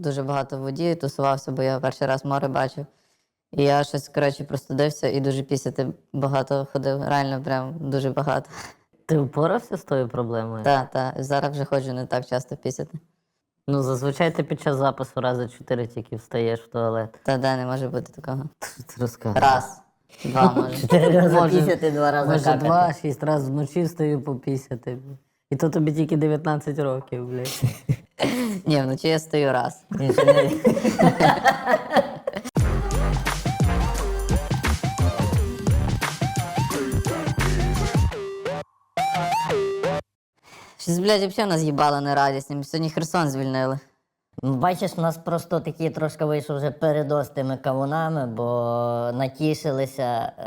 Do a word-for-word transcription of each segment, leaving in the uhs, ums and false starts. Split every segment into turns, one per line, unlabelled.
дуже багато в воді, тусувався, бо я перший раз море бачив. І я щось, коротше, простудився і дуже пісяти багато ходив. Реально, прям дуже багато.
Ти впорався з тою проблемою?
Так, так. Зараз вже ходжу не так часто пісяти.
Ну, зазвичай ти під час запису рази чотири тільки встаєш в туалет.
Та де не може бути такого.
Що ти розказуєш?
Раз, два, може.
Чотири рази
Може-
пісяти, два рази
Може,
какати.
два, шість разів вночі встаю попісяти. І то тобі тільки дев'ятнадцять років, блядь.
Ні, вночі я стою раз.
Він ще не-
Щось, блядь, взагалі нас їбало нерадісні. Сьогодні Херсон звільнили.
Бачиш, у нас просто такий трошки вийшов вже передоз тими кавунами, бо натішилися,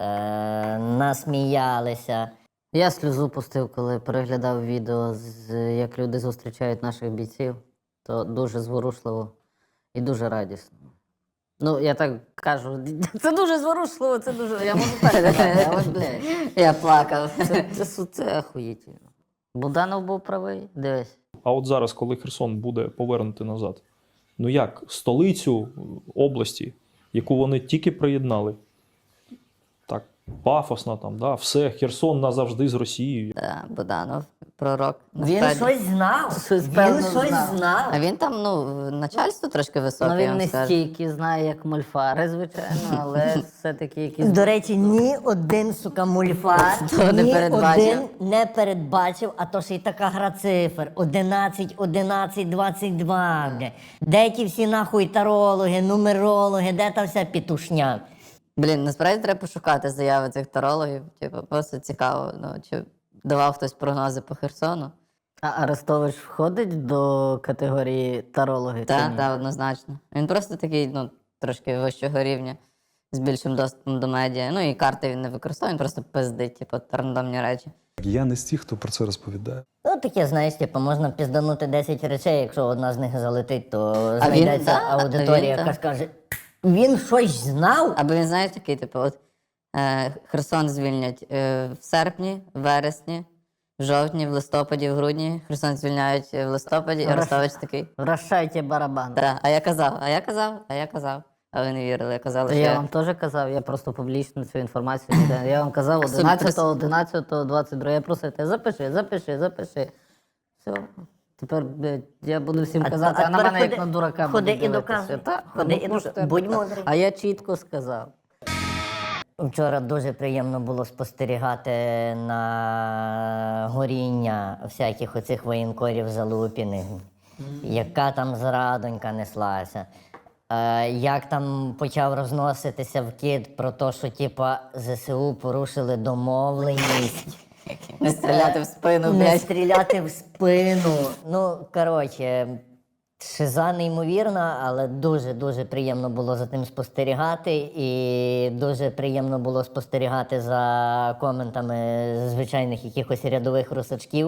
е, насміялися.
Я сльозу пустив, коли переглядав відео, з, як люди зустрічають наших бійців. То дуже зворушливо і дуже радісно. Ну, я так кажу, це дуже зворушливо, це дуже. Я можу так сказати, але, блядь,
Я плакав.
це, це, це, це охуєтельно. Буданов був правий, дивись.
А от зараз, коли Херсон буде повернути назад, ну як столицю області, яку вони тільки приєднали, так пафосно там, да, все, Херсон назавжди з Росією.
Да, Буданов, пророк.
Він
насправді.
щось знав.
Щось,
Він
певно,
щось
знав.
знав.
А він там, ну, начальство трошки високе,
Ну,
я
він
вам
не
скажу.
стільки знає, як мольфари, звичайно, але все-таки якісь...
До речі, ні один, сука, мульфар,
Хто не
ні
передбачив?
один не передбачив, а то ще й така гра цифр. одинадцять, одинадцять, двадцять два. Бля. Де ті всі нахуй тарологи, нумерологи, де та вся пітушня?
Блін, насправді треба пошукати заяви цих тарологів. Типу, просто цікаво, ну, чи давав хтось прогнози по Херсону.
А Арестович входить до категорії тарологи? чи
Так,
ні?
так, однозначно. Він просто такий, ну, трошки вищого рівня, з більшим доступом до медіа. Ну і карти він не використовує, він просто пиздить, типу, рандомні речі.
Я не з тих, хто про це розповідає.
Ну, таке, знаєш, типу, можна пізданути десять речей, якщо одна з них залетить, то
він,
знайдеться
да,
аудиторія,
він,
яка
да.
скаже, він щось знав?
Або він, знаєш, такий, типу, от е, Херсон звільнять е, в серпні, в вересні, в жовтні, в листопаді, в грудні. Херсон звільняють в листопаді, і Арестович такий.
Вращайте барабан.
Так, а я казав, а я казав, а я казав. А ви не вірили, я казав, що
Я
я...
вам теж казав, я просто публічно цю інформацію не даю. Я вам казав одинадцятого, одинадцятого, двадцять другого. Я просив тебе, запиши, запиши, запиши. Все. Тепер, блядь, я буду всім
А-
казати,
а
а, на
тепер
мене
ходи-
як на дурака
ходи
будуть
і
дивитися.
доказуй.
Так,
Ходи і
ну, що
доказуй.
ти
Будь
так.
мудрий.
А я чітко сказав.
Вчора дуже приємно було спостерігати на горіння всяких оцих воєнкорів залупіних. Яка там зрадонька неслася. Е, як там почав розноситися вкид про те, що типа ЗСУ порушили домовленість.
Не стріляти в спину,
Не
блядь.
стріляти в спину. Ну, коротше, шиза неймовірна, але дуже-дуже приємно було за тим спостерігати. І дуже приємно було спостерігати за коментами звичайних якихось рядових русачків,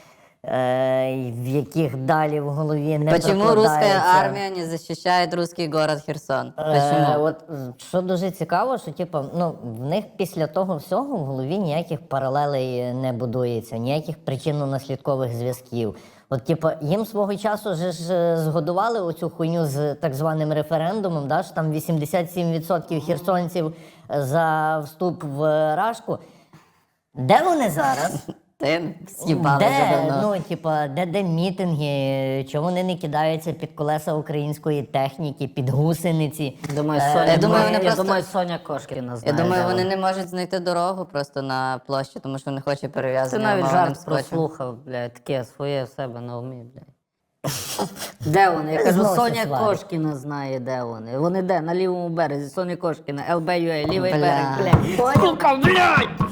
е, в яких далі в голові не
Почему русская
прокладається.
армия не защищает русский город Херсон?
Е,
Почему?
от, що дуже цікаво, що типу, ну, в них після того всього в голові ніяких паралелей не будується, ніяких причинно-наслідкових зв'язків. От, типу, їм свого часу же ж згодували оцю хуйню з так званим референдумом, да, що там вісімдесят сім відсотків херсонців за вступ в Рашку. Де вони зараз?
Ти з'їбали вже
Де,
давно.
ну, типа, де, де мітинги, чому вони не кидаються під колеса української техніки, під гусениці?
Думаю,
Е,
Соня,
я думаю, вони
я
просто-
думаю, Соня Кошкіна
Я
знає.
думаю,
де
вони
вона.
не можуть знайти дорогу просто на площі, тому що не хоче
Ти
перев'язати
навіть
умовним
жарт
скотчем.
прослухав, блядь, таке своє в себе на умі, блядь. Де вони? Я кажу,
Зносить
Соня
сварить.
Кошкіна знає, де вони. Вони де? На лівому березі. Соня Кошкіна, ел бе ю ей, лівий
Бля.
берег, блядь. Сука, блядь!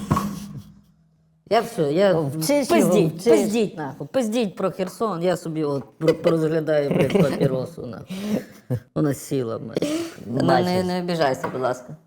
Я все, я...
Вчись його,
Пиздіть,
вчись.
пиздіть, нахуй. Пиздіть про Херсон, я собі от про- розглядаю, блядь, папіросу, нахуй. Вона сіла, блядь.
Ну, не, не обіжайся, будь ласка.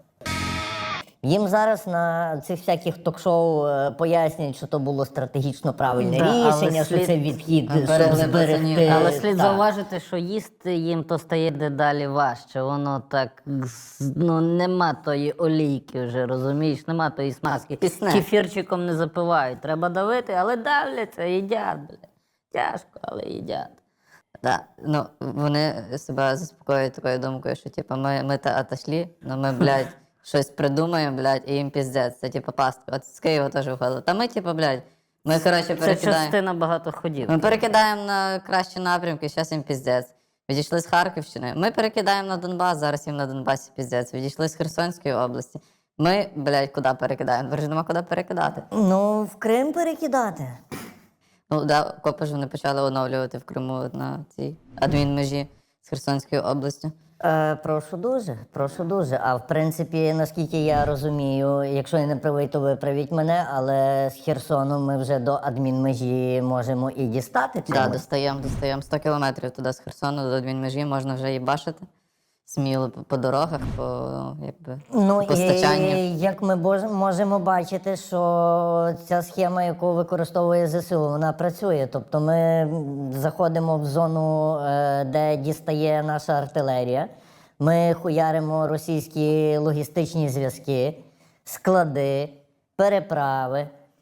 Їм зараз на цих всяких ток-шоу е, пояснюють, що то було стратегічно правильне
Да, але
рішення, що
слід-
це відхід,
Берегли
щоб
пацанів.
зберегти.
Але слід
Так.
зауважити, що їсти їм то стає дедалі важче. Воно так, з- ну, нема тої олійки вже, розумієш? Нема тої смазки.
Пісне.
Кефірчиком не запивають. Треба давити, але давляться, їдять, блядь. Тяжко, але їдять.
Да. Ну, вони себе заспокоюють такою думкою, що типу, ми, ми та отошли, але ми, блядь, щось придумаємо, блядь, і їм піздець. Це типу пастка. От з Києва теж виходило. Та ми, типу, блядь, ми, коротше,
Це
перекидаємо.
частина багато ходів.
Ми перекидаємо на кращі напрямки, зараз їм піздець. Відійшли з Харківщини. Ми перекидаємо на Донбас, зараз їм на Донбасі піздець. Відійшли з Херсонської області. Ми, блядь, куди перекидаємо? Тепер ж нема куди перекидати.
Ну, в Крим перекидати.
Ну, да, копи ж вони почали оновлювати в Криму на цій адмінмежі з Херсонською областю.
Е, прошу дуже, прошу дуже. А в принципі, наскільки я розумію, якщо я не правий, то виправіть мене, але з Херсону ми вже до адмінмежі можемо і дістати.
Так, да,
чимось.
достаємо, достаємо сто кілометрів туди з Херсону до адмінмежі, можна вже і бачити. Сміло по, по дорогах, по, ну, якби,
Ну
постачанню.
і як ми бож- можемо бачити, що ця схема, яку використовує ЗСУ, вона працює. Тобто ми м, заходимо в зону, е, де дістає наша артилерія, ми хуяримо російські логістичні зв'язки, склади, переправи,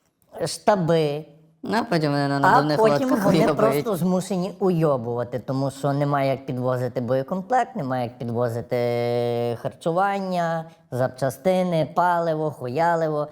штаби.
Ну, а потім вони на
А
надувних
потім
лодках
вони
уйобують.
просто змушені уйобувати, тому що немає як підвозити боєкомплект, немає як підвозити харчування, запчастини, паливо, хуяливо.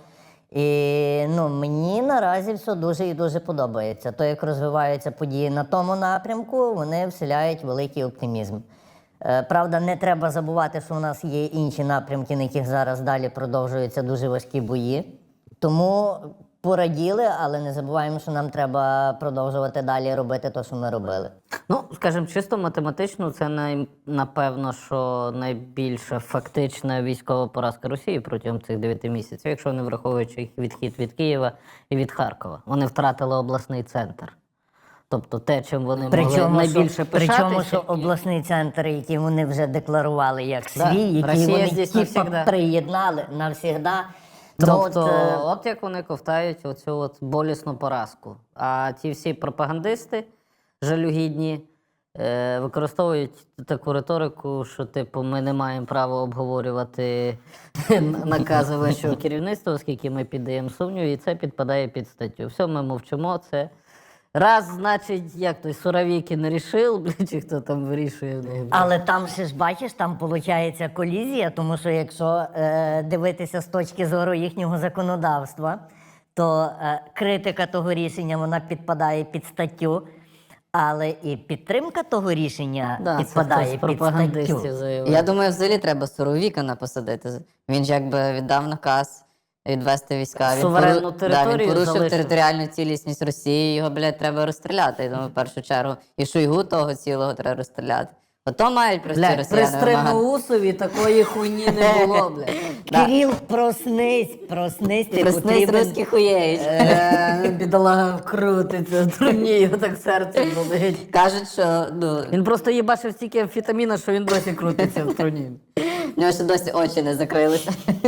І ну, мені наразі все дуже і дуже подобається. То, як розвиваються події на тому напрямку, вони вселяють великий оптимізм. Е, Правда, не треба забувати, що у нас є інші напрямки, на яких зараз далі продовжуються дуже важкі бої. Тому пораділи, але не забуваємо, що нам треба продовжувати далі робити те, що ми робили.
Ну, скажімо, чисто математично, це най, напевно, що найбільша фактична військова поразка Росії протягом цих дев'яти місяців, якщо не враховуючи їх відхід від Києва і від Харкова. Вони втратили обласний центр. Тобто те, чим вони могли найбільше
що,
пишатися.
причому, що обласний центр, який вони вже декларували як свій,
Да,
який
Росія
вони
здесь
типа
навсегда.
приєднали навсігда.
Тобто,
от, е,
от як вони ковтають оцю от болісну поразку. А ті всі пропагандисти жалюгідні е, використовують таку риторику, що типу ми не маємо права обговорювати накази вищого керівництва, оскільки ми піддаємо сумніву, і це підпадає під статтю. Все, ми мовчимо, це раз, значить, як той Суровікін не рішив, блін, чи хто там вирішує. блін.
Але там ще ж бачиш, там виходить колізія, тому що якщо е, дивитися з точки зору їхнього законодавства, то е, критика того рішення вона підпадає під статтю, але і підтримка того рішення
Да, це
підпадає
хтось з
під
пропагандистів
статтю.
заявив.
Я думаю, взагалі треба Суровікана посадити. Він ж якби віддав наказ відвести війська. Він
Суверенну
пору-
територію
да, він порушив
залишив.
територіальну цілісність Росії, його, блядь, треба розстріляти. Я думаю, в першу чергу. І Шойгу того цілого треба розстріляти. Ото мають прості
Блядь, при
росіяни вимагати.
Стримоусові такої хуйні не було, блядь.
Да.
Кирил, проснись, проснись, ти
Проснись,
потрібен.
русський хуєєць.
Е, Бідолага крутиться в труні, його так серце болить.
Кажуть, що ну,
Він просто їбачив стільки амфетаміна, що він досі крутиться в труні.
в нього ще досі очі не закрилися.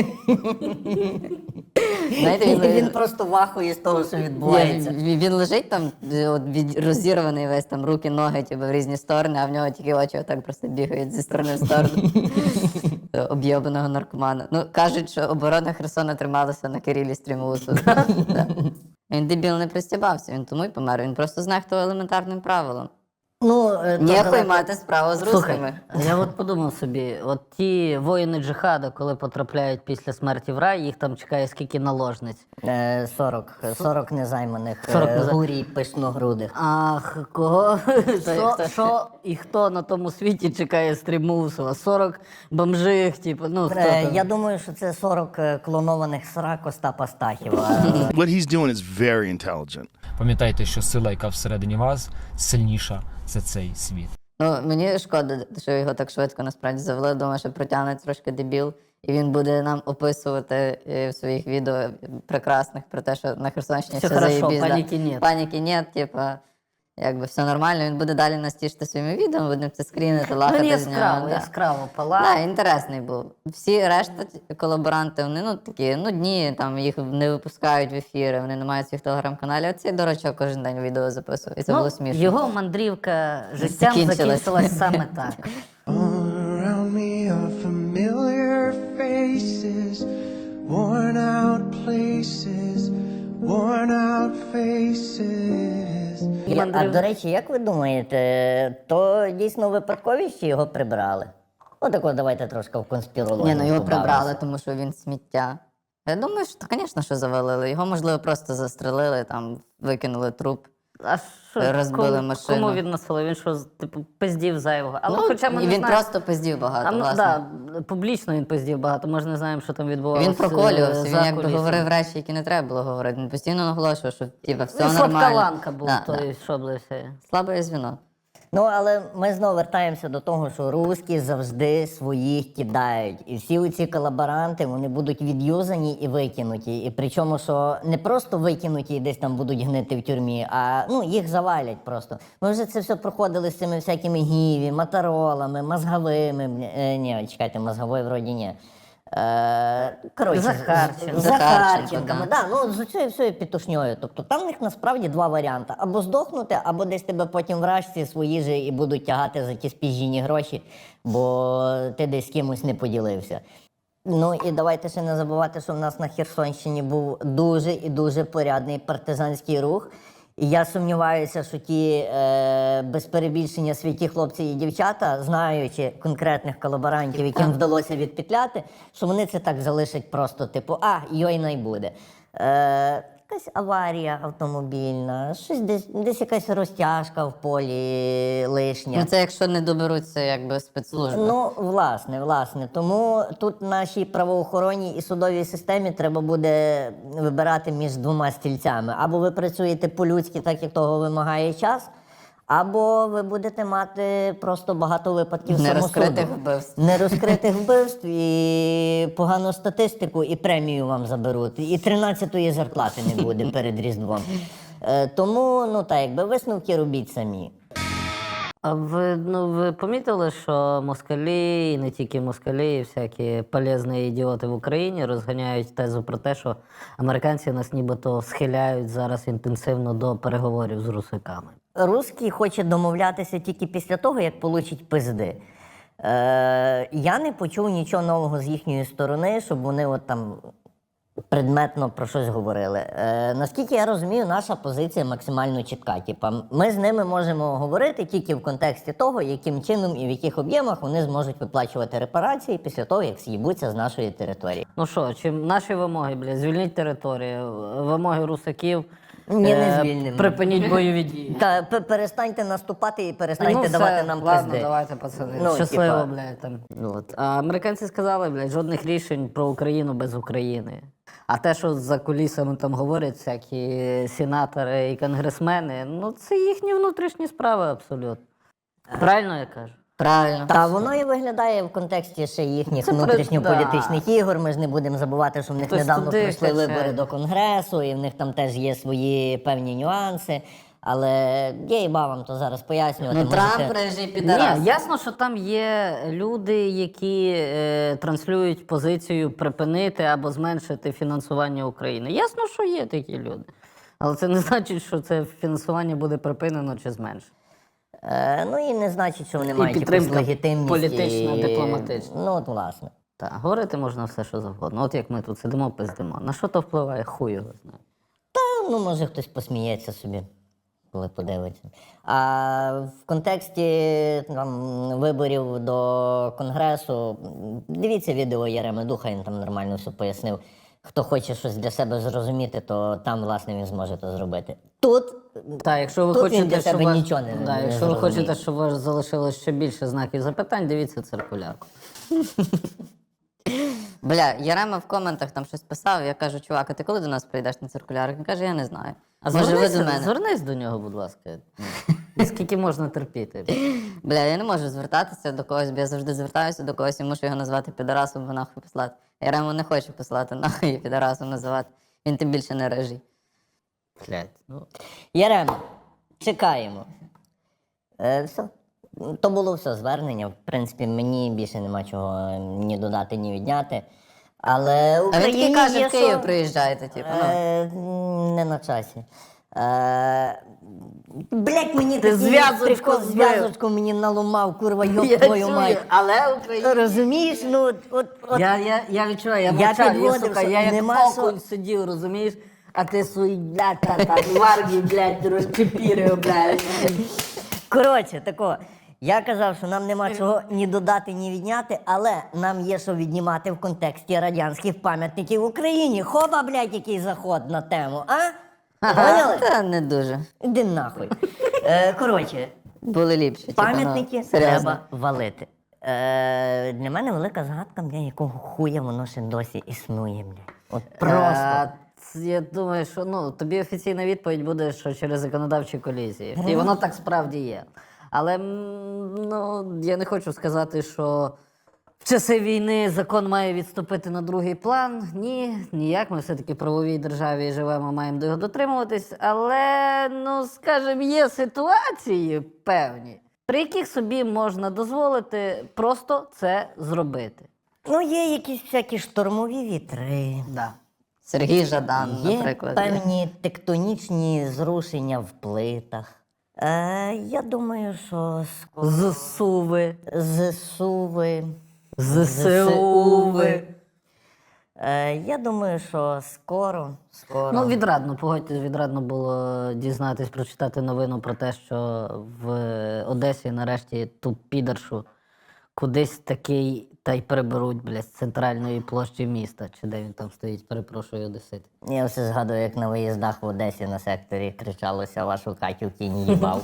Знаєте, він,
Він просто вахує з того, що відбувається.
Він, він лежить там, от, від, розірваний весь там руки, ноги типу, в різні сторони, а в нього тільки очі отак просто бігають зі сторони в сторону. Об'єбаного наркомана. Ну, кажуть, що оборона Херсона трималася на Кирилі Стрімусу. Да. Він дебіл не пристібався, він тому й помер. Він просто знехтував елементарним правилом.
Ну, е, то
Ніхуй
далеко-
мати справу з
Слухай,
русскими.
я от подумав собі, от ті воїни джихаду, коли потрапляють після смерті в рай, їх там чекає скільки наложниць.
Е, сорок, сорок незайманих,
сорок
е,
незай-
гурій пишногрудих.
Ах, кого? Що,
хто?
що і хто на тому світі чекає Стрімусова? сорок бомжих, типу, ну хто
Е,
там?
Я думаю, що це сорок е, клонованих срак Остапа Стахіва.
What he's doing is very intelligent.
Пам'ятайте, що сила, яка всередині вас, сильніша за цей світ.
Ну, мені шкода, що його так швидко насправді завели. Думаю, що протягне трошки дебіл. І він буде нам описувати е, в своїх відео прекрасних про те, що на Херсонщині
Все
все,
хорошо,
заєбісь, да.
паніки нет.
Паніки нет, типа, якби все нормально. Він буде далі нас тішити своїми відео, будемо це скрінити,
Ну,
лахати
він
з нього.
яскраво,
Да.
яскраво палав.
Да, інтересний був. Всі решта ті- колаборанти, вони ну такі нудні, там їх не випускають в ефіри, вони не мають своїх телеграм-каналів. Оцей дурачок кожен день відео записував, і це
Ну,
було смішно.
його мандрівка життям
Закінчилась.
закінчилась саме так.
All around me are familiar faces, worn out places, worn out faces. faces.
А до речі, як ви думаєте, то дійсно випадковість чи його прибрали? Отако давайте трошки в конспірологію.
Ні, ну його
побавимося.
прибрали, тому що він сміття. Я думаю, що, звісно, що завалили. Його, можливо, просто застрелили, там, викинули труп.
А що,
Розбили
кому,
машину.
кому він насилив? Він що, типу, пиздів зайвого? Але
Ну,
хоча ми
і
не
він
знаємо.
просто пиздів багато,
А, ну,
власне.
да, публічно він пиздів багато, ми ж не знаємо, що там відбувалося.
Він проколювався, він
за
якби
кулісами.
говорив речі, які не треба було говорити. Він постійно наголошував, що типу, все
Він
нормально.
слабка ланка був,
Да,
той,
да.
що блився.
Слабе звіно.
Ну, але ми знову вертаємося до того, що русські завжди своїх кидають. І всі ці колаборанти, вони будуть відюзані і викинуті. І причому, що не просто викинуті і десь там будуть гнити в тюрмі, а ну, їх завалять просто. Ми вже це все проходили з цими всякими гіві, моторолами, мозговими. Е, ні, чекайте, мозгової вроді ні. Е, коротше,
Захарченко.
з- з
Захарченко,
Захарченками,
да.
да, ну з цією всією пітушньою. Тобто там в них насправді два варіанти: або здохнути, або десь тебе потім вражці свої же і будуть тягати за ті спіжжені гроші, бо ти десь з кимось не поділився. Ну і давайте ще не забувати, що в нас на Херсонщині був дуже і дуже порядний партизанський рух. І я сумніваюся, що ті е, без перебільшення святі хлопці і дівчата, знаючи конкретних колаборантів, яким вдалося відпетляти, що вони це так залишать просто, типу, а, йой най буде. Е, якась аварія автомобільна, щось десь, десь якась розтяжка в полі лишня.
Ну це якщо не доберуться якби спецслужби.
Ну, власне, власне. Тому тут нашій правоохоронній і судовій системі треба буде вибирати між двома стільцями. Або ви працюєте по-людськи, так як того вимагає час, або ви будете мати просто багато випадків самосуду.
Нерозкритих вбивств.
Нерозкритих вбивств, і погану статистику, і премію вам заберуть. І тринадцятої зарплати не буде перед Різдвом. Е, Тому, ну так, якби висновки робіть самі.
А ви, ну, ви помітили, що москалі, і не тільки москалі, і всякі полезні ідіоти в Україні розганяють тезу про те, що американці нас нібито схиляють зараз інтенсивно до переговорів з русиками.
Русський хоче домовлятися тільки після того, як получить пизди. Е, я не почув нічого нового з їхньої сторони, щоб вони от там предметно про щось говорили. Е, наскільки я розумію, наша позиція максимально чітка. Типа, ми з ними можемо говорити тільки в контексті того, яким чином і в яких об'ємах вони зможуть виплачувати репарації після того, як з'їбуться з нашої території.
Ну що, чи наші вимоги, бля, звільніть територію, вимоги русаків,
Ні, не
е,
звільнимо.
припиніть бойові дії.
Та п- перестаньте наступати і перестаньте
Ну,
давати
все,
нам
ладно,
пизди.
давайте, пацани.
Ну,
Щасливо,
типа.
блядь, там. От. А американці сказали, блядь, жодних рішень про Україну без України. А те, що за кулісами там говорять всякі сенатори і конгресмени, ну це їхні внутрішні справи абсолютно. Правильно я кажу?
Правильно.
Та воно і виглядає в контексті ще їхніх
Це при-
внутрішньополітичних ігор. Ми ж не будемо забувати, що в них
Хтось
недавно
туди
пройшли
качає.
вибори до Конгресу, і в них там теж є свої певні нюанси. Але я і вам то зараз пояснювати.
Ну Трамп
можете-
режий підарас.
Ні, ясно, що там є люди, які е, транслюють позицію припинити або зменшити фінансування України. Ясно, що є такі люди. Але це не значить, що це фінансування буде припинено чи зменшено.
Е, ну і не значить, що вони
І
мають якусь
підтримка
легітимність.
політична,
і-
дипломатична.
Ну, от власне.
Так, говорити можна все, що завгодно. От як ми тут сидимо, пиздимо. На що то впливає? Хуй його знає.
Та, ну, може, хтось посміється собі, коли подивиться. А в контексті там, виборів до Конгресу, м, дивіться відео Яреми Духа, він там нормально все пояснив. Хто хоче щось для себе зрозуміти, то там, власне, він зможе це зробити. Тут
Так, якщо ви
Тут він
хочете,
для
щоб
себе
ваш-
нічого не-
да,
не
якщо ви
зрозуміє.
хочете, щоб у вас залишилось ще більше знаків запитань, дивіться циркулярку.
Бля, Ярема в коментах там щось писав, я кажу, чувак, а ти коли до нас прийдеш на циркулярок? Він каже, я не знаю.
А
Може, ви
звернись,
до мене?
звернись до нього, будь ласка. І скільки можна терпіти?
Бля, я не можу звертатися до когось, бо я завжди звертаюся до когось і мушу його назвати підарасом, або нахуй послати. Ярему не хочу послати, нахуй і підарасом називати. Він тим більше не режий.
Блядь, ну.
Ярема, чекаємо. Е, все. То було все звернення. В принципі, мені більше нема чого ні додати, ні відняти. Але
А він
Україні
такий каже,
є
в Київ
що-
приїжджайте, типу, ну.
Е, не на часі. Е, блять, мені
Ти
такий
зв'язочку
прикол,
збив.
зв'язочку мені наломав, курва,
Я
йоб твою
чую,
мать.
але Україна.
Розумієш, ну от, от, от
Я, я, я відчуваю, я
Я
мовчав, я,
підводив,
сука,
що
я як
нема
окунь
що-
сидів, розумієш? а ти свої, блядь, та, та, варги, блядь, розчепірив, блядь.
Коротше, тако. Я казав, що нам нема чого ні додати, ні відняти, але нам є що віднімати в контексті радянських пам'ятників в Україні. Хоба, блядь, який заход на тему, а? Поняли?
Та не дуже.
Іди нахуй. Е, коротше,
Були ліпші. типу, ну,
пам'ятники
серйозно.
треба валити. Е, для мене велика загадка, бля, якого хуя воно ще досі існує, бля. От просто.
Е, ц- Я думаю, що ну, тобі офіційна відповідь буде, що через законодавчі колізії. І воно так справді є. Але м, ну, я не хочу сказати, що в часи війни закон має відступити на другий план. Ні, ніяк. Ми все-таки в правовій державі живемо, маємо до його дотримуватись. Але, ну, скажімо, є ситуації певні, при яких собі можна дозволити просто це зробити.
Ну, є якісь всякі штормові вітри.
Да.
Сергій Жадан,
Є
наприклад.
певні тектонічні зрушення в плитах. Е, я думаю, що скоро
Зсуви,
ЗСУви.
ЗСУви.
Е, я думаю, що скоро, скоро.
Ну, відрадно, погодьтесь, відрадно було дізнатись, прочитати новину про те, що в Одесі нарешті ту підаршу кудись такий та й приберуть, блядь, з центральної площі міста. Чи де він там стоїть, перепрошую, одесит.
Я все згадую, як на виїздах в Одесі на секторі кричалося вашу Катю в кінь їбав.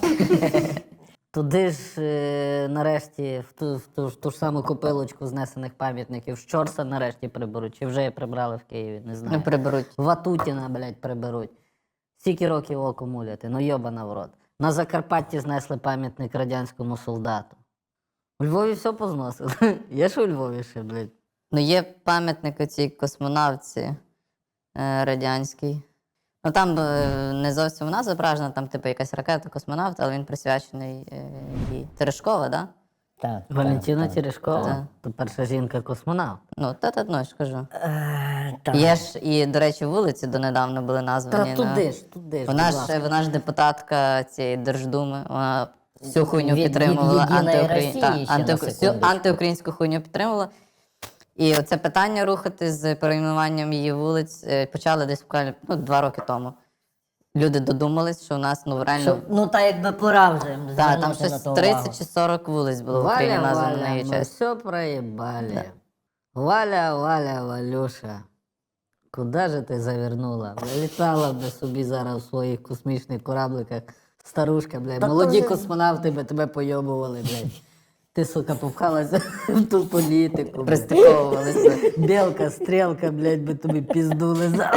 Туди ж е, нарешті в ту, в, ту, в ту ж саму копилочку знесених пам'ятників Щорса нарешті приберуть. Чи вже прибрали в Києві, не знаю.
Не приберуть.
Ватутіна, блядь, приберуть. Стільки років око муляти, ну йобана в рот. На Закарпатті знесли пам'ятник радянському солдату. У Львові все позносили. Є ж у Львові ще, блядь.
Ну, є пам'ятник у цій космонавці е, радянській. Ну там е, не зовсім вона зображена, там типу якась ракета космонавт, але він присвячений е, їй. Терешкова, да?
Так,
Валентина Терешкова,
Так.
то перша жінка-космонавт.
Ну, та та ну, я ж кажу.
Е, так.
Є ж і, до речі, вулиці донедавна були названі.
Та
на-
туди ж, туди ж.
Вона
будь
ж,
ласка.
вона ж депутатка цієї Держдуми, вона всю хуйню
Від- від
підтримувала,
«Єдиної
антиукрі...
Росії»
та,
ще на
антиук- всю
секундочку.
антиукраїнську хуйню підтримувала. І оце питання рухати з перейменуванням її вулиць е, почали десь буквально ну, два роки тому. Люди додумались, що у нас ну реально.
Що, ну, та якби пора вже
Так,
звернути
там
на
щось
то увагу.
тридцять чи сорок вулиць було в Україні
Валя,
названо на
Валя,
її
мы
честь.
все проебали. Валя, Валя, Валюша, куда же ти завернула? Літала б собі зараз у своїх космічних корабликах. Старушка, блядь,
Та
молоді
то вже-
космонавти би тебе пойобували, блядь. Ти, сука, попхалася в ту політику. блядь.
Пристиковувалися.
Білка, стрілка, блядь, би тобі пізду лизала.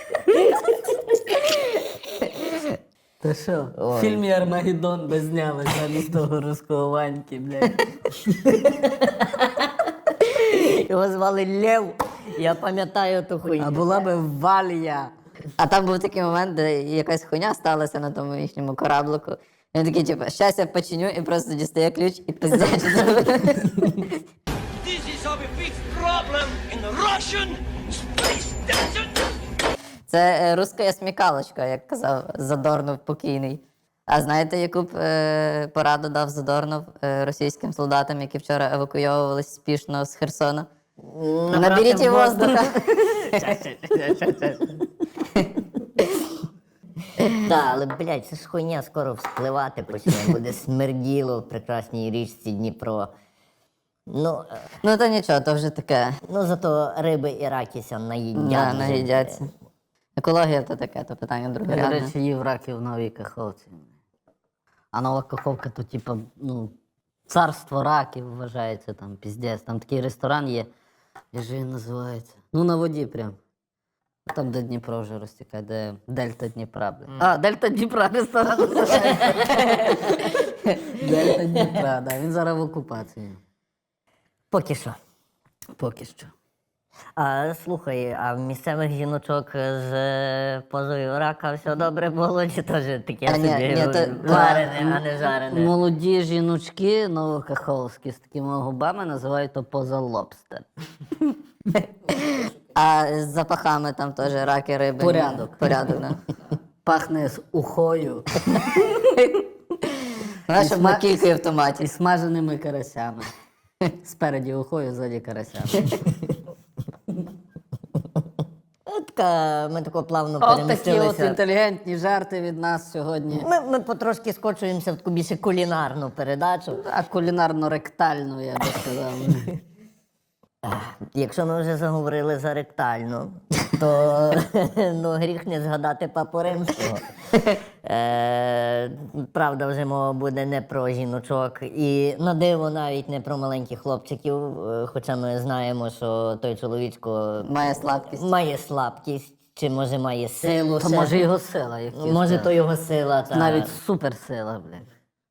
Та що, в фільмі Армагеддон би зняли замість того руського Ваньки, блядь.
Його звали Лев. Я пам'ятаю ту хуйню.
А була би Валія.
А там був такий момент, де якась хуйня сталася на тому їхньому кораблику. І він такий, типу, щас я починю, і просто дістає ключ і пиздячить.
This is our big problem in the Russian space station.
Це е, руська смікалочка, як казав Задорнов покійний. А знаєте, яку б е, пораду дав Задорнов е, російським солдатам, які вчора евакуйовувалися спішно з Херсона? Наберіть воздуха.
Так, але, блядь, це ж хуйня скоро вспливати почне, буде смерділо в прекрасній річці Дніпро. Ну, е,
Ну то нічого, то вже таке.
ну зато риби і ракіся наїдять.
Да,
вже,
наїдяться. Екологія то таке, то питання
Я, до
другорядне.
речі, їв раків в Новій Каховці. А Нова Каховка то, типа, ну, царство раків вважається там, піздець. Там такий ресторан є. Як же він називається? Ну, на воді прям. Там, де Дніпро вже розтікає, де Дельта Дніпра, блядь. А, Дельта Дніпра ресторан називається. Дельта Дніпра, да. Він зараз в окупації.
Поки що.
Поки що.
А слухай, а в місцевих жіночок з е, позою рака все добре було, чи теж таке
А, ні,
собі
ні, то-
варене, а не жарене?
Молоді жіночки новокаховські з такими губами називають то поза лобстер.
А з запахами там теж раки, риби.
Порядок.
Порядок, да.
Пахне з ухою
Знаєш, щоб
сма-
на кілька в томаті.
і смаженими карасями. Спереді ухою, ззаді карасями.
От Ромчика, ми тако плавно
От такі от
перемістилися.
інтелігентні жарти від нас сьогодні.
Ми, ми потрошки скочуємося в таку більше кулінарну передачу.
А кулінарно-ректальну, я би сказав.
Якщо ми вже заговорили за ректальну, то ну, гріх не згадати Папу Римського. Е, правда, вже мова буде не про жіночок. І на диво навіть не про маленьких хлопчиків, е, хоча ми знаємо, що той чоловічко
Має слабкість.
має слабкість, чи може має силу.
То
ще.
може його сила, як ті
Може,
сказали.
то його сила. Та...
Навіть суперсила, блядь.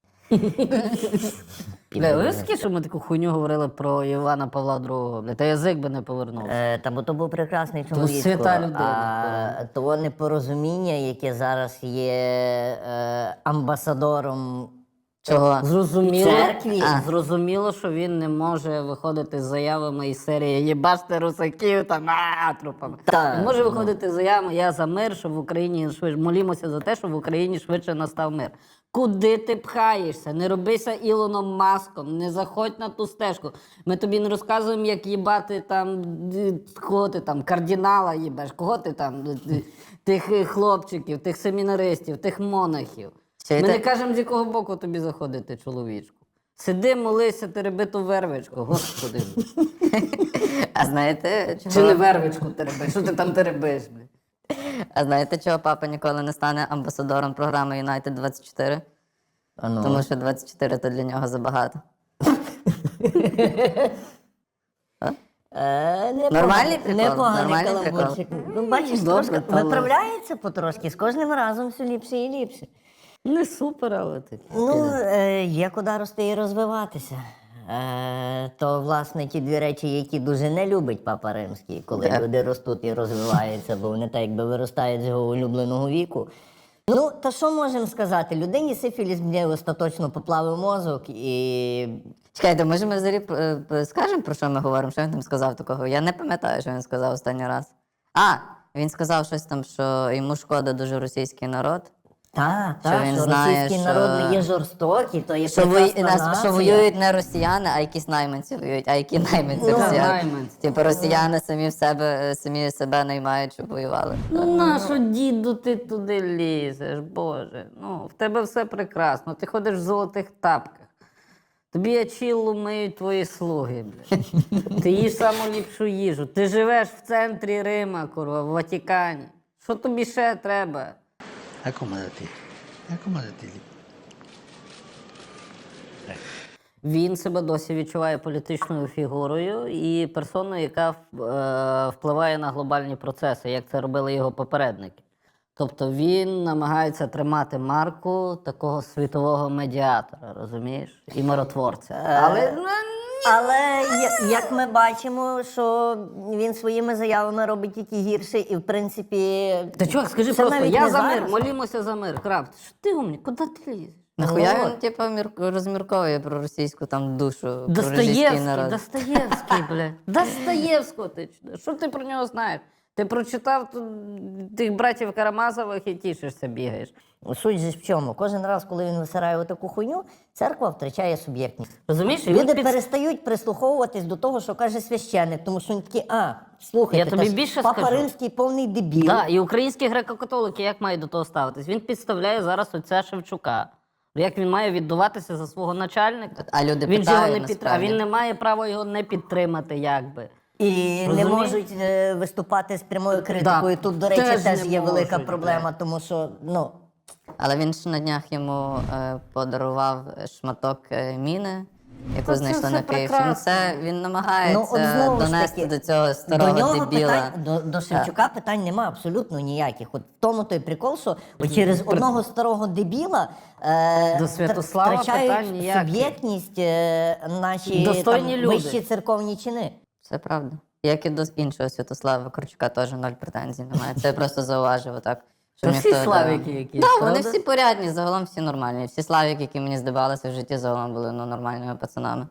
Бля, ви скільки, що ми таку хуйню говорили про Івана Павла другого, бля, та язик би не повернувся.
Е, та бо то був прекрасний чоловік.
свята людина,
А того непорозуміння, яке зараз є е, амбасадором
Чого?
Зрозуміло,
церкві.
а, зрозуміло, що він не може виходити з заявами із серії «Єбаште русаків» там а, трупами.
Так,
Він може
ну.
виходити з заявами «Я за мир, щоб в Україні швидше, молімося за те, щоб в Україні швидше настав мир». Куди ти пхаєшся? Не робися Ілоном Маском, не заходь на ту стежку. Ми тобі не розказуємо, як їбати там, д- кого ти там, кардинала їбеш, кого ти там, д- д- тих е, хлопчиків, тих семінаристів, тих монахів.
Чи
Ми
ти-
не кажемо, з якого боку тобі заходити, чоловічку. Сиди, молися, тереби ту вервичку, господи.
А знаєте, чого?
Чи не вервичку тереби? Що ти там теребиш? бля?
А знаєте, чого папа ніколи не стане амбасадором програми Юнайтед двадцять чотири?
А ну.
Тому що двадцять чотири то для нього забагато.
Е, непогано-
Нормальний прикол,
непоганий
нормальний
каламбурчик. Ну, бачиш,
Добре,
трошки
але-
виправляється потрошки, з кожним разом все ліпше і ліпше.
Не супер, але ти.
Ну, е, є куди рости і розвиватися. Е, то, власне, ті дві речі, які дуже не любить Папа Римський, коли
Так.
люди ростуть і розвиваються, бо вони так якби виростають з його улюбленого віку. Ну, та що можемо сказати? Людині сифіліс мені остаточно поплавив мозок і.
Чекайте, може ми взагалі е, е, скажемо, про що ми говоримо? Що він там сказав такого? Я не пам'ятаю, що він сказав останній раз. А, він сказав щось там, що йому шкода дуже російський народ.
Так,
Що
так,
він
що
знає,
російський
що-
народ є жорстокий, то є
Що, вої...
прекрасна
нас,
нація.
що воюють не росіяни, а якісь найманці воюють. А які найманці
Ну,
росіяни?
найманці.
Типу росіяни самі в себе самі себе наймають, щоб воювали.
Ну нащо, діду, ти туди лізеш, Боже. Ну, в тебе все прекрасно. Ти ходиш в золотих тапках. Тобі ачіллу миють твої слуги, блядь. Ти їш саму ліпшу їжу. Ти живеш в центрі Рима, курва, в Ватикані. Що тобі ще треба?
Accomodati, accomodati lì.
Він себе досі відчуває політичною фігурою і персоною, яка е, впливає на глобальні процеси, як це робили його попередники. Тобто він намагається тримати марку такого світового медіатора, розумієш? І миротворця. Але ну,
Але я- як ми бачимо, що він своїми заявами робить тільки гірше, і в принципі.
та чувак, скажи
це
просто,
навіть
я
не
за мир,
зараз.
молімося за мир. Крафт, що ти умний, куди ти лізеш?
Нахуя
Ну,
він,
от.
типу, мір... розмірковує про російську там душу, про російський
Достоєвський,
народ.
Достоєвський, блядь. Достоєвського ти чудо. Що ти про нього знаєш? Ти прочитав тут тих братів Карамазових і тішишся, бігаєш.
Суть же в чому? Кожен раз, коли він висирає отаку хуйню, церква втрачає суб'єктність.
Розумієш? І він
Люди
під-
перестають прислуховуватись до того, що каже священник, тому що він такий, а, слухайте,
Я тобі
та ж
більше
Папа
скажу.
Римський повний дебіл.
Так, і українські греко-католики як мають до того ставитись? Він підставляє зараз отця Шевчука. Як він має віддуватися за свого начальника?
А люди
він же його
питають,
не підтр... А
насправді.
він не має права його не підтримати, якби.
І не
Розумієш?
можуть е, виступати з прямою критикою. Тут, до речі,
теж
теж,
не
є велика
можуть,
проблема, тому що, ну,
Але він ж на днях йому е, подарував шматок е, міни, яку
Та це
знайшли
все
на Київщині.
прекрасно.
Це він
Ну,
намагається
от знову ж
донести
таки,
до цього старого
до нього
дебіла.
питань, до, до Шевчука питань нема абсолютно ніяких. От в тому той прикол, що от через одного старого дебіла е,
До
втр-
Святослава
втрачають
питань ніяких.
суб'єктність е, наші
Достойні
там,
люди.
вищі церковні чини.
Це правда. Як і до іншого Святослава Корчука теж ноль претензій немає. Це я просто зауважив отак. що
Та всі
ніхто, да.
славіки якісь,
Да, вони
правда?
всі порядні, загалом всі нормальні. Всі славіки, які мені здавалися в житті, загалом були ну, нормальними пацанами.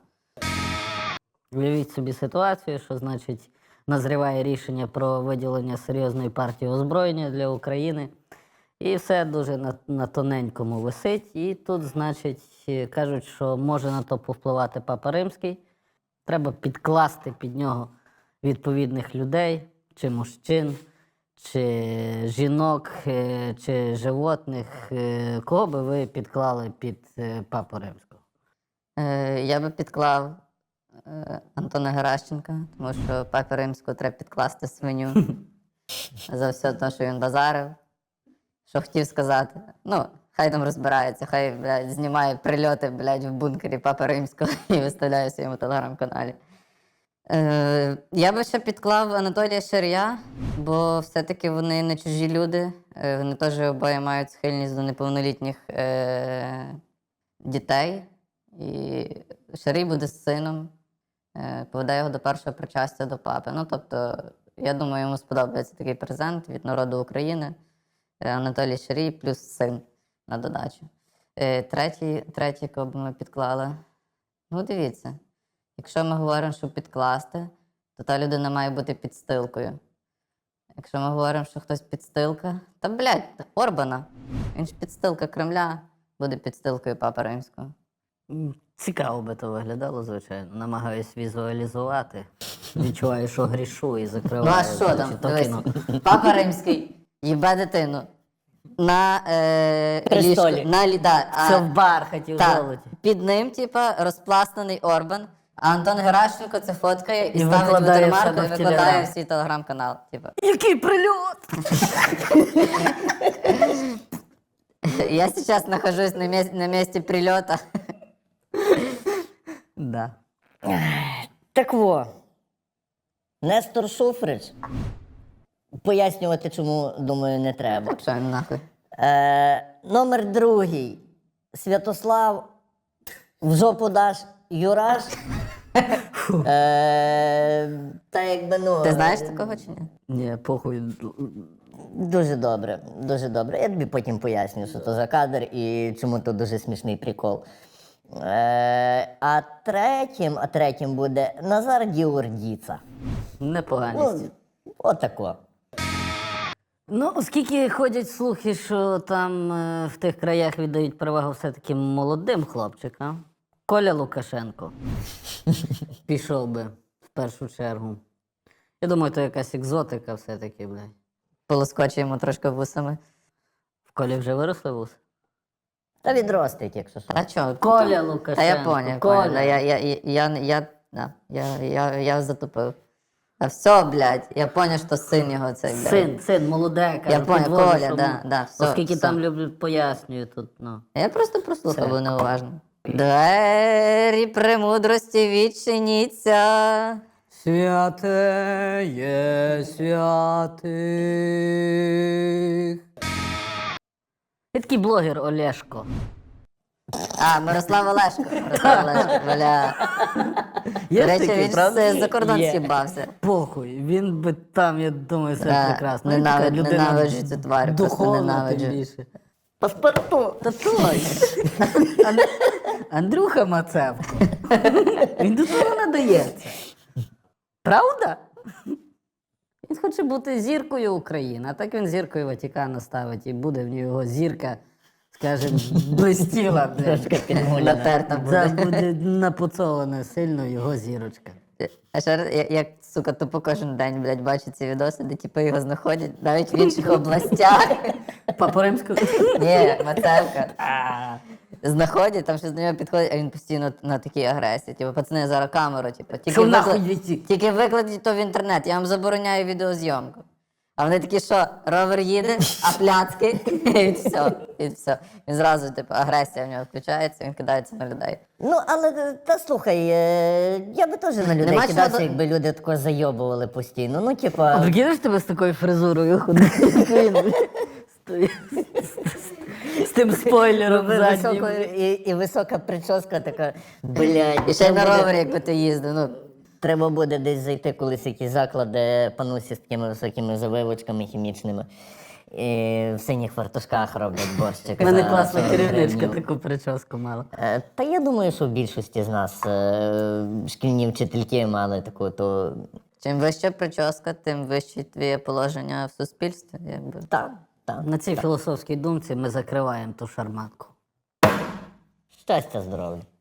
Уявіть собі ситуацію, що значить назріває рішення про виділення серйозної партії озброєння для України. І все дуже на, на тоненькому висить. І тут, значить, е, кажуть, що може на то повпливати Папа Римський. Треба підкласти під нього відповідних людей, чи мужчин, чи жінок, е, чи животних, е, кого би ви підклали під е, Папу Римського?
Е, я би підклав е, Антона Геращенка, тому що Папі Римського треба підкласти свиню за все те, що він базарив. Що хотів сказати. Ну, хай там розбирається, хай, блядь, знімає прильоти, блядь, в бункері Папи Римського і виставляє в своєму телеграм-каналі. Е, я би ще підклав Анатолія Шарія, бо все-таки вони не чужі люди. Е, вони теж обоє мають схильність до неповнолітніх е, дітей. І Шарій буде з сином, е, поведе його до першого причастя до папи. Ну, тобто, я думаю, йому сподобається такий презент від народу України. Е, Анатолій Шарій плюс син на додачу. Е, третій, третій, кого б ми підклали. Ну, дивіться. Якщо ми говоримо, що підкласти, то та людина має бути підстилкою. Якщо ми говоримо, що хтось підстилка, та, блядь, Орбана. Він ж підстилка Кремля, буде підстилкою Папи Римського.
М, Цікаво би то виглядало, звичайно. Намагаюсь візуалізувати. Відчуваю, що грішу і закриваю.
Ну а що
очі,
там?
то
Дивись,
кіно.
Папа Римський їбе дитину. На е,
Престолі.
ліжку. На, лі- да,
Все
а,
в бархаті, в
та,
золоті.
під ним, типа, розпластаний Орбан, а Антон Геращенко це фоткає і,
І
ставить
викладає в
ватермарку
себе
і
в
викладає
Телеграм.
в свій телеграм-канал. Типа.
Який прильот!
Я сейчас нахожусь на, месте, на месте прилета.
Да.
Так во. Нестор Шуфрич. Пояснювати, чому, думаю, не треба.
Що він нахуй?
Е, номер другий. Святослав в жопу даш Юраш. Е, та якби, ну,
Ти знаєш такого чи ні?
Ні, похуй.
Дуже добре, дуже добре. Я тобі потім поясню, що то за кадр і чому то дуже смішний прикол. Е, а третім, а третім буде Назар Діордіца.
Непоганість.
Ну, отако.
Ну, оскільки ходять слухи, що там е, в тих краях віддають перевагу все-таки молодим хлопчикам, Коля Лукашенко пішов би в першу чергу. Я думаю, то якась екзотика все-таки, блядь.
Полоскочуємо трошки вусами.
В Колі вже виросли вуси?
Та відростить, якщо що.
А чо?
Коля Лукашенко.
Та я поняв,
Коля.
поняв. Да, я, я, я, я, я, да, я, я, я затупив. А все, блядь, я поняв, що син його цей, блядь.
Син, син, молоде, каже,
Я поняв,
підвожу,
Коля,
щоб-
да, да, все,
Оскільки
все.
там люблять, пояснюю тут, ну.
Я просто прослухав,
Це.
був неуважно. Двері премудрості відчиніться.
Святе є святих. Ти такий блогер Олешко.
А, Мирослав Олешко. Мирослав Олешко, бля.
Є
До речі,
такий,
він
правда?
ж за кордон
Є.
з'їбався.
Похуй, він би там, я думаю, все
Да,
прекрасно.
ненавид-
Він така людина
ненавиджу цю тварь, просто
духовна,
ненавиджу.
тим більше. Паспорту, та точно. Ан- Андрюха Мацевко. Він до того надається. Правда? Він хоче бути зіркою України, а так він зіркою Ватикана ставить і буде в нього зірка, скажімо, блистіла. блядь.
Натерта
Це
буде.
буде напуцована сильно його зірочка.
А ще раз, я- як, сука, тупо кожен день, блядь, бачу ці відоси, де типу його знаходять навіть в інших областях.
Папу Римського.
Ні, Мацевка. Знаходять, там щось до нього підходить, а він постійно на такій агресії. Типу, пацани, зараз камеру, типу, тільки,
Що нахуй
викла-
відсік?
тільки викладіть то в інтернет, я вам забороняю відеозйомку. А вони такі, що ровер їде, а пляцки, і все, і все. Він зразу, типу, агресія в нього включається, він кидається на людей.
Ну, але та слухай, е, я би теж на людей
Нема
кидався,
чого до-
якби люди тако зайобували постійно. Ну, типа.
А прикинеш тебе з такою фризурою ходити? З тим спойлером заднім.
Високо, і, і висока прическа така, блядь.
І ще й на
треба буде-
ровері, якби ти їздив. Ну,
Треба буде десь зайти колись в якийсь заклад, де панусі з такими високими завивочками хімічними. І в синіх фартушках роблять борщик.
У мене
за
класна
сорок
керівничка
гривень.
таку прическу мала.
Е, Та я думаю, що в більшості з нас е, шкільні вчительки мали таку, то
чим вища прическа, тим вище твоє положення в суспільстві. Якби.
так, так.
На цій філософській думці ми закриваємо ту шарманку.
Щастя, здоров'я.